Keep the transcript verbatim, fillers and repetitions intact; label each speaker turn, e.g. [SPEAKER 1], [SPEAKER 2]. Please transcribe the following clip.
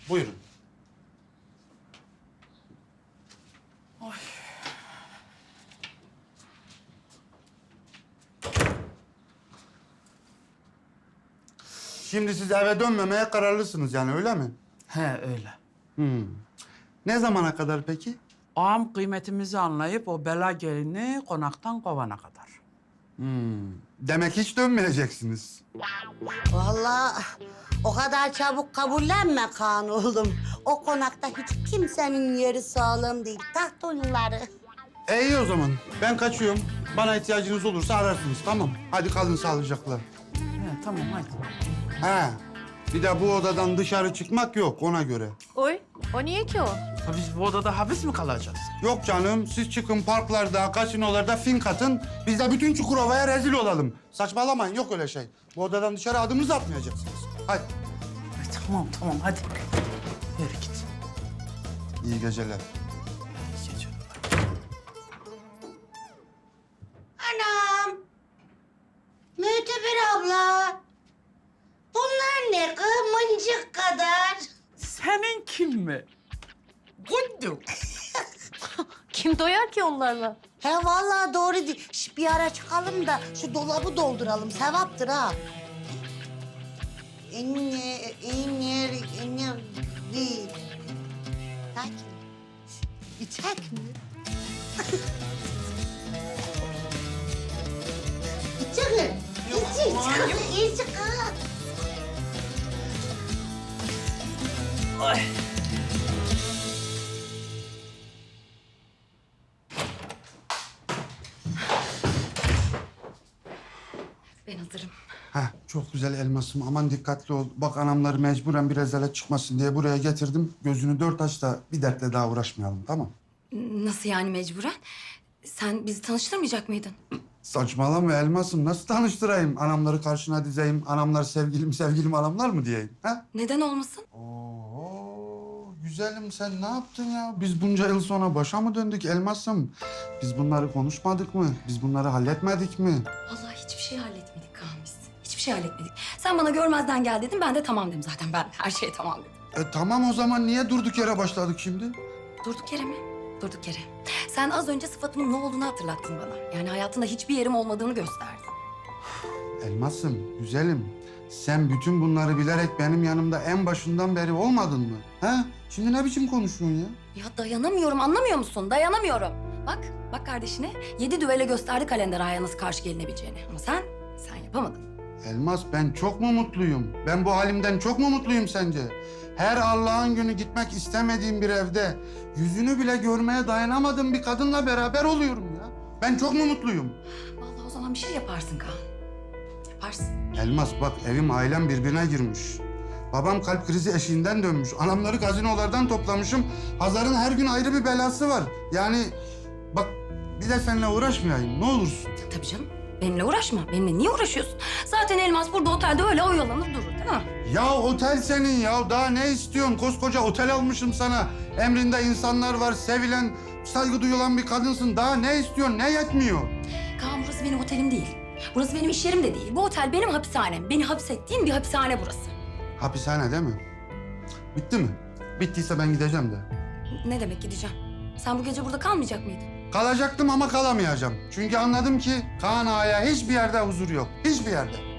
[SPEAKER 1] Buyurun. Şimdi siz eve dönmemeye kararlısınız yani öyle mi?
[SPEAKER 2] He öyle.
[SPEAKER 1] Hmm. Ne zamana kadar peki?
[SPEAKER 2] Ağam kıymetimizi anlayıp o bela gelini konaktan kovana kadar.
[SPEAKER 1] Hmm. Demek hiç dönmeyeceksiniz.
[SPEAKER 3] Vallahi o kadar çabuk kabullenme Kaan oğlum. O konakta hiç kimsenin yeri sağlam değil. Taht oyunları.
[SPEAKER 1] E iyi o zaman. Ben kaçıyorum. Bana ihtiyacınız olursa ararsınız tamam. Hadi kalın sağlıcakla.
[SPEAKER 2] He tamam hadi.
[SPEAKER 1] He. Bir de bu odadan dışarı çıkmak yok ona göre.
[SPEAKER 4] Oy, o niye ki o?
[SPEAKER 2] Ha, biz bu odada hapis mi kalacağız?
[SPEAKER 1] Yok canım, siz çıkın parklarda, kasinolarda fink atın. Biz de bütün Çukurova'ya rezil olalım. Saçmalamayın, yok öyle şey. Bu odadan dışarı adımınızı atmayacaksınız. Hadi.
[SPEAKER 2] Ay, tamam tamam hadi. Yürü git.
[SPEAKER 1] İyi geceler.
[SPEAKER 2] İyi geceler.
[SPEAKER 3] Anam. Müteber abla. Bunlar ne kız? Mıncık kadar.
[SPEAKER 2] Senin kim mi? Guddu.
[SPEAKER 4] Kim doyar ki onlarla?
[SPEAKER 3] He vallahi doğru değil. Şş, bir ara çıkalım da şu dolabı dolduralım. Sevaptır ha. Enyer, enyer, enyer değil. Sakin. İçek mi? İçek mi? İç, iç, iç, iç.
[SPEAKER 5] Ben hazırım.
[SPEAKER 1] Heh, çok güzel elmasım. Aman dikkatli ol. Bak anamları mecburen bir rezalet çıkmasın diye buraya getirdim. Gözünü dört aç da bir dertle daha uğraşmayalım, tamam?
[SPEAKER 5] Nasıl yani mecburen? Sen bizi tanıştırmayacak mıydın?
[SPEAKER 1] Saçmalama elmasım. Nasıl tanıştırayım? Anamları karşına dizeyim. Anamlar sevgilim sevgilim anamlar mı diyeyim? Ha?
[SPEAKER 5] Neden olmasın?
[SPEAKER 1] Oo, güzelim sen ne yaptın ya? Biz bunca yıl sonra başa mı döndük elmasım? Biz bunları konuşmadık mı? Biz bunları halletmedik mi?
[SPEAKER 5] Vallahi hiçbir şey halletmedik Kaan biz. Hiçbir şey halletmedik. Sen bana görmezden gel dedin, ben de tamam dedim zaten. Ben her şeye tamam dedim.
[SPEAKER 1] E tamam o zaman niye durduk yere başladık şimdi?
[SPEAKER 5] Durduk yere mi? Durduk yere. Sen az önce sıfatımın ne olduğunu hatırlattın bana. Yani hayatında hiçbir yerim olmadığını gösterdin.
[SPEAKER 1] Elmasım, güzelim. Sen bütün bunları bilerek benim yanımda en başından beri olmadın mı? Ha? Şimdi ne biçim konuşuyorsun ya?
[SPEAKER 5] Ya dayanamıyorum, anlamıyor musun? Dayanamıyorum. Bak, bak kardeşine yedi düvele gösterdi kalender aya nasıl karşı gelinebileceğini. Ama sen, sen yapamadın.
[SPEAKER 1] Elmas ben çok mu mutluyum? Ben bu halimden çok mu mutluyum sence? Her Allah'ın günü gitmek istemediğim bir evde yüzünü bile görmeye dayanamadığım bir kadınla beraber oluyorum ya. Ben çok mu mutluyum?
[SPEAKER 5] Vallahi o zaman bir şey yaparsın Kaan. Yaparsın.
[SPEAKER 1] Elmas bak evim ailem birbirine girmiş. Babam kalp krizi eşiğinden dönmüş. Anamları gazinolardan toplamışım. Hazar'ın her gün ayrı bir belası var. Yani bak bir de seninle uğraşmayayım ne olursun.
[SPEAKER 5] Tabii canım. Benimle uğraşma. Benimle niye uğraşıyorsun? Zaten Elmas burada otelde öyle oyalanır durur değil mi?
[SPEAKER 1] Ya otel senin ya. Daha ne istiyorsun? Koskoca otel almışım sana. Emrinde insanlar var. Sevilen, saygı duyulan bir kadınsın. Daha ne istiyorsun? Ne yetmiyor?
[SPEAKER 5] Kaan burası benim otelim değil. Burası benim iş yerim de değil. Bu otel benim hapishanem. Beni hapsettiğin bir hapishane burası.
[SPEAKER 1] Hapishane değil mi? Bitti mi? Bittiyse ben gideceğim de.
[SPEAKER 5] Ne demek gideceğim? Sen bu gece burada kalmayacak mıydın?
[SPEAKER 1] Kalacaktım ama kalamayacağım. Çünkü anladım ki Kaan Ağa'ya hiçbir yerde huzur yok. Hiçbir yerde.